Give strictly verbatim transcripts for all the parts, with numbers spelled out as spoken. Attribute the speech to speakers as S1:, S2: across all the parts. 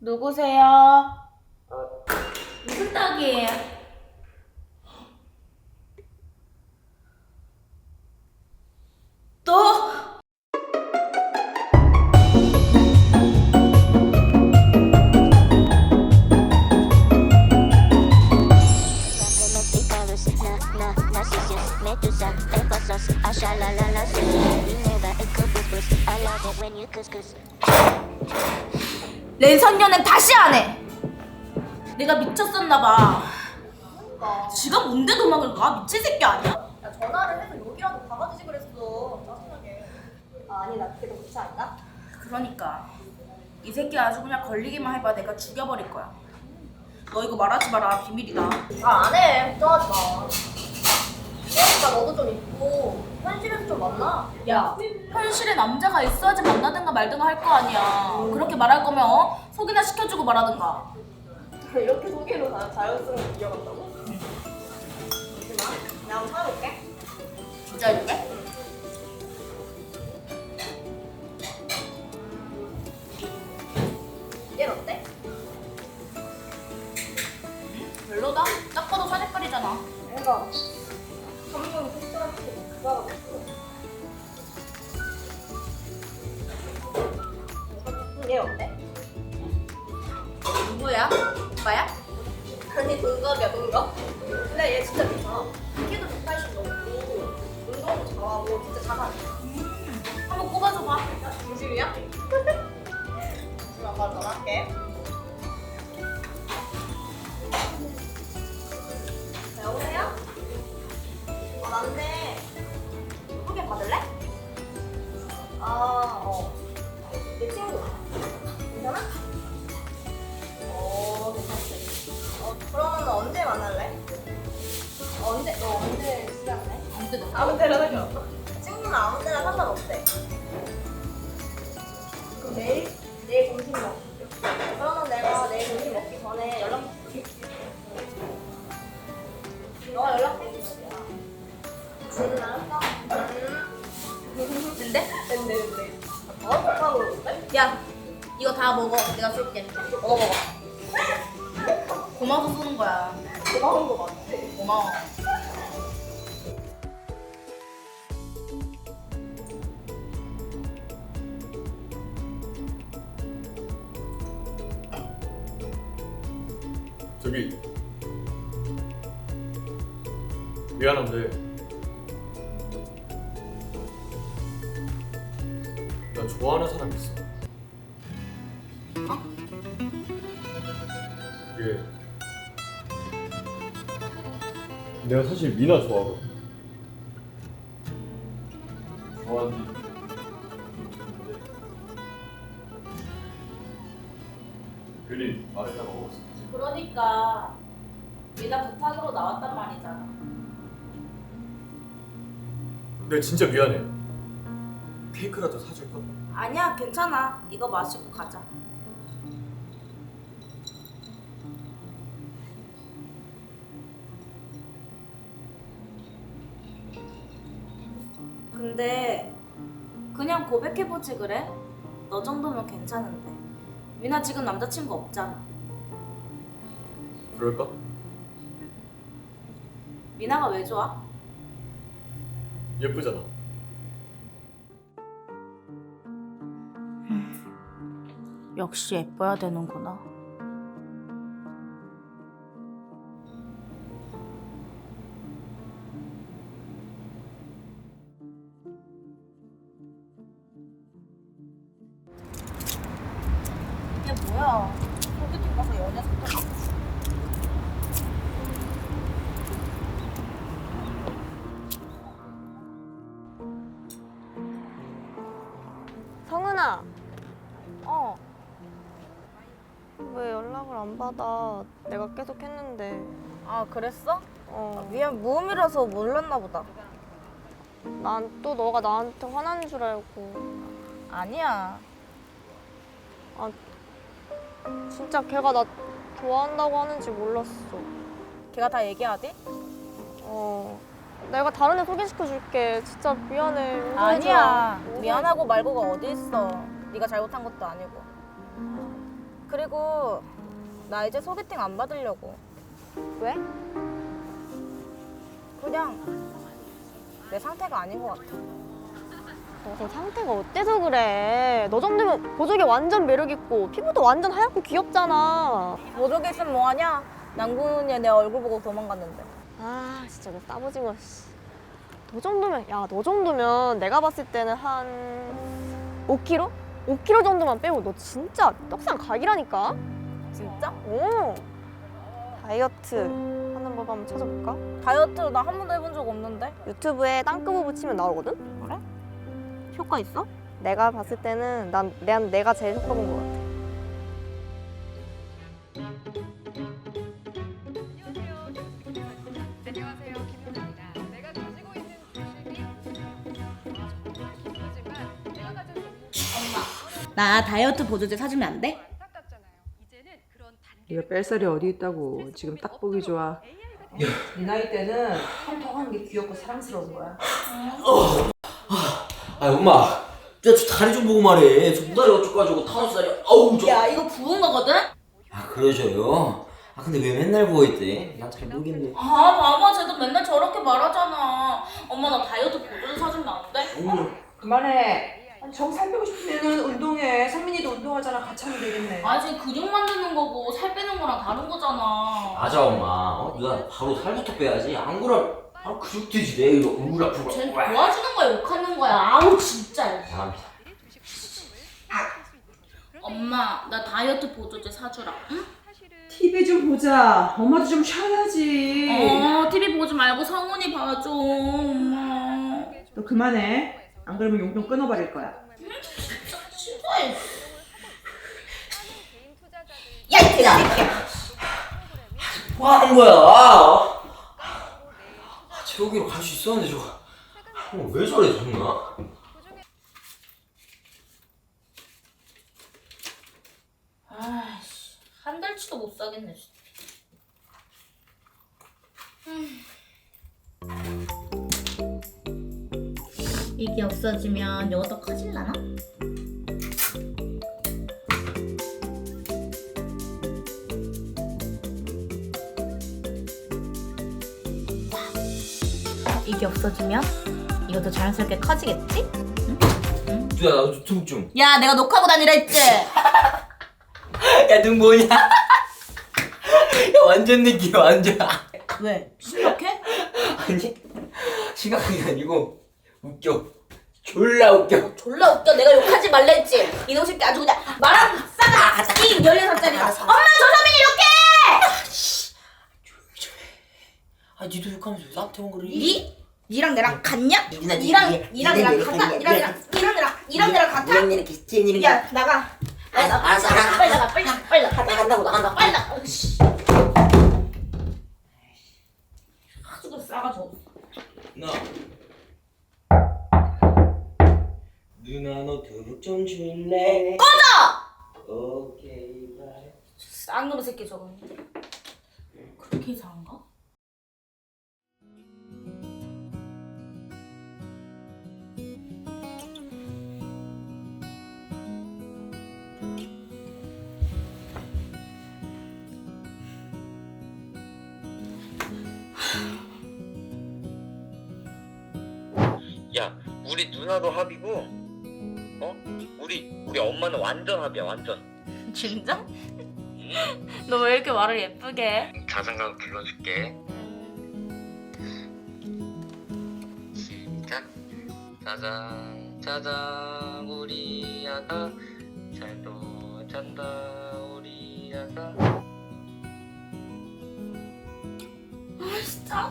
S1: 누구세요? 무슨 떡이에요? 또? 랜선녀는 다시 안 해! 내가 미쳤었나봐.
S2: 그러니까.
S1: 지가 뭔데 도망을 가? 미친 새끼 아니야?
S2: 야, 전화를 해서 여기라도 가가지지 그랬어. 짜증나게. 아, 아니, 나 그게 더 좋지 않나?
S1: 그러니까 이 새끼 아주 그냥 걸리기만 해봐. 내가 죽여버릴 거야. 너 이거 말하지 마라. 비밀이다.
S2: 아, 안 해. 걱정하지 마. 그러니까 너도 좀 있고 현실에서 좀 만나.
S1: 야, 현실에 남자가 있어야지 만나든가 말든가 할 거 아니야. 그렇게 말할 거면 어? 소개나 시켜주고 말하든가.
S2: 이렇게 소개로 다 자연스럽게 이어간다고? 잠시만. 내가 한번 찾아볼게.
S1: 진짜 해줄게?
S2: 얘 어때?
S1: 별로다. 딱 봐도 사색깔이잖아.
S2: 뭔가 감정이 흡사한테 그거가 없어. 얘 어때?
S1: 누구야? 오빠야?
S2: 아니 동갑이야 동갑. 근데 얘 진짜 괜찮아. 키도 백팔십 넘고 운동도 잘하고 진짜 잘하네.
S1: 한번 꼽아줘봐.
S2: 진심이야? 잠시만 바로 전화할게. 자, 여보세요? 아 맞네. 소개 받을래? 아 어. 내 친구. 괜찮아? 어 괜찮지. 어 그러면 언제 만날래? 언제 너 언제 시작해?
S1: 아무 때나.
S2: 아무 때나 상관없어? 친구는 아무 때나 상관없대. 그럼 내일? 내일 점심 먹 그러면 내가 내일 점심 먹기 전에 연락할게. 너가 연락해. 응, 알았어. 응.
S1: 근데?
S2: 근데, 근데. 아, 더 좋다고 그러는데?
S1: 야, 이거 다 먹어. 내가 쏠게. 먹어 먹어. 고마워서 쏘는 거야.
S2: 고마운 거 맞지?
S1: 고마워.
S3: 저기 미안한데 나 좋아하는 사람 있어.
S1: 어?
S3: 그게 내가 사실 미나 좋아하거든. 좋아하는 지 있는데 괜히 말했다가 먹었어.
S1: 그러니까 미나 부탁으로 나왔단 말이잖아.
S3: 근데 진짜 미안해. 케이크라도 사줄까?
S1: 아니야, 괜찮아. 이거 마시고 가자. 근데 그냥 고백해보지 그래? 너 정도면 괜찮은데. 미나 지금 남자친구 없잖아.
S3: 그럴까?
S1: 미나가 왜 좋아?
S3: 예쁘잖아.
S1: 역시 예뻐야 되는구나. 이게 뭐야? 소개팅 가서 연애 사귀어.
S4: 성은아,
S1: 어,
S4: 왜 연락을 안 받아? 내가 계속 했는데.
S1: 아 그랬어?
S4: 어,
S1: 미안, 무음이라서 몰랐나 보다.
S4: 난 또 너가 나한테 화나는 줄 알고.
S1: 아니야.
S4: 아, 진짜 걔가 나 좋아한다고 하는지 몰랐어.
S1: 걔가 다 얘기하대?
S4: 어, 내가 다른 애 소개시켜 줄게. 진짜 미안해. 용서해줘.
S1: 아니야. 미안하고 말고가 어디 있어. 네가 잘못한 것도 아니고. 그리고 나 이제 소개팅 안 받으려고.
S4: 왜?
S1: 그냥 내 상태가 아닌 것 같아.
S4: 너 상태가 어때서 그래? 너 정도면 보조개 완전 매력있고 피부도 완전 하얗고 귀엽잖아.
S1: 보조개 있으면 뭐하냐? 남궁은이 내 얼굴 보고 도망갔는데.
S4: 아 진짜 너 따보징어 씨. 너 정도면 야 너 정도면 내가 봤을 때는 한 오 킬로그램? 오 킬로그램 정도만 빼고 너 진짜 떡상 각이라니까?
S1: 진짜?
S4: 오 다이어트 하는 법 한번 찾아볼까?
S1: 다이어트 나 한 번도 해본 적 없는데?
S4: 유튜브에 땅끄부부 치면 나오거든?
S1: 그래? 효과 있어?
S4: 내가 봤을 때는 난, 난 내가 제일 효과 본 것 같아.
S5: 안녕하세요, 김효나입니다. 내가 가지고 있는 조심이 기쁘지만 내가 가진
S1: 나 다이어트 보조제 사주면 안 돼?
S5: 안타깝잖아요. 이제는 그런 단계
S6: 네가 뺄살이 어디 있다고. 지금 딱 보기 좋아.
S5: 네
S7: 나이 때는 통통한 게 귀엽고 사랑스러운 거야.
S8: 아 엄마, 저, 저 다리 좀 보고 말해. 저 무다리 어쩌고저쩌고 타노스다리. 아우 저.
S1: 야 이거 부은 거거든?
S8: 아 그러셔요? 아 근데 왜 맨날 부어있대? 난 잘 모르겠네.
S1: 아 봐봐 쟤도 맨날 저렇게 말하잖아. 엄마 나 다이어트 보조제 사주면 안 돼?
S8: 어머.
S7: 그만해. 정 살 빼고 싶으면 운동해. 상민이도 운동하잖아. 같이 하면 되겠네.
S1: 아직 근육 만드는 거고 살 빼는 거랑 다른 거잖아.
S8: 맞아 엄마. 어? 누나 바로 살부터 빼야지. 안 그러면 바로 근육 뒤지래. 이거 얼굴 아프고.
S1: 쟤 도와주는 거야 욕하는 거야. 아우 진짜.
S8: 죄송합니다.
S1: 엄마 나 다이어트 보조제 사주라. 응?
S7: 티비 좀 보자. 엄마도 좀 쉬어야지.
S1: 어 티비 보지 말고 성훈이 봐줘 엄마.
S7: 너 그만해. 안 그러면 용돈 끊어버릴 거야.
S1: 싫어해.
S8: 야 이때야. 뭐 하는 거야? 아, 제오기로 갈 수 있었는데 저거. 어, 왜 저래 정말?
S1: 아이씨 한 달치도 못 사겠네 진짜. 음. 이게 없어지면 요것도 커질라나? 이게 없어지면 이것도 자연스럽게 커지겠지?
S8: 누나 나도 유튜브 좀.
S1: 야 내가 녹화하고 다니라 했지?
S8: 야 눈 뭐냐? 야 완전 느낌 완전.
S1: 왜? 심각해?
S8: 아니 심각한 게 아니고 웃겨. 졸라 웃겨.
S1: 졸라 웃겨. 내가 욕하지 말랬지. 이놈 새끼 아주 그냥 말하고 싸다. 이 열여섯 살이가. 엄마 조선민이 욕해!
S8: 조용히 좀 해. 아 니도 욕하면서 왜 나한테만 그래?
S1: 니? 니랑 내랑 같냐?
S8: 니나,
S1: 니랑
S8: 니,
S1: 니랑
S8: 니,
S1: 내랑
S8: 니,
S1: 같아?
S8: 니,
S1: 니랑
S8: 니,
S1: 내랑 니랑 내랑 니랑 내랑 같아?
S8: 이렇게 찐이는
S1: 야 나가. 빨리 나가.
S8: 알았어, 알았어.
S1: 빨리 나가. 빨리 나가. 빨리 나가.
S8: 나간다고 나간다고.
S1: 빨리 나가. 씨. 아주 그 싸가지고.
S8: 누나. 누나 너 두릅 좀 줄래?
S1: 꺼져!
S8: 오케이 바이.
S1: 쌍놈의 새끼 저거. 그렇게 이상한가?
S9: 야, 우리 누나도 합이고, 어? 우리 우리 엄마는 완전 합이야, 완전.
S1: 진짜? 너 왜 이렇게 말을 예쁘게 해?
S9: 자장가 불러줄게. 시작. 짜장 짜장 우리 아가 잘도 잔다 우리 아가.
S1: 아 진짜.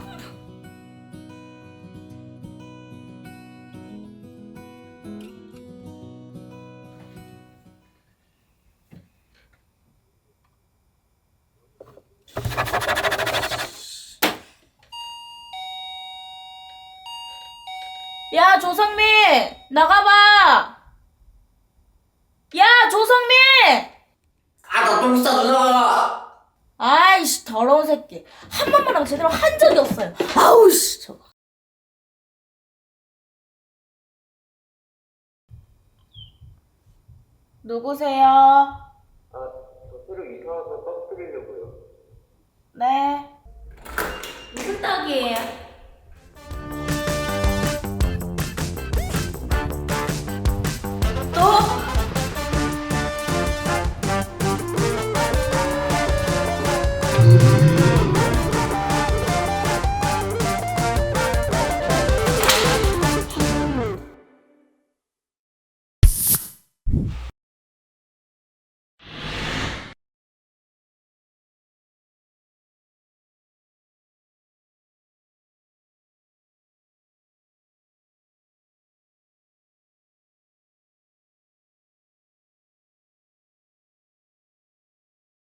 S1: 야 조성민 나가봐. 야 조성민.
S8: 아나 똥 싸 누나.
S1: 아이씨 더러운 새끼. 한 번만 하고 제대로 한 적이 없어요. 아우씨 저거. 누구세요?
S8: 아
S9: 사귀려고요.
S1: 네. 무슨 떡이에요?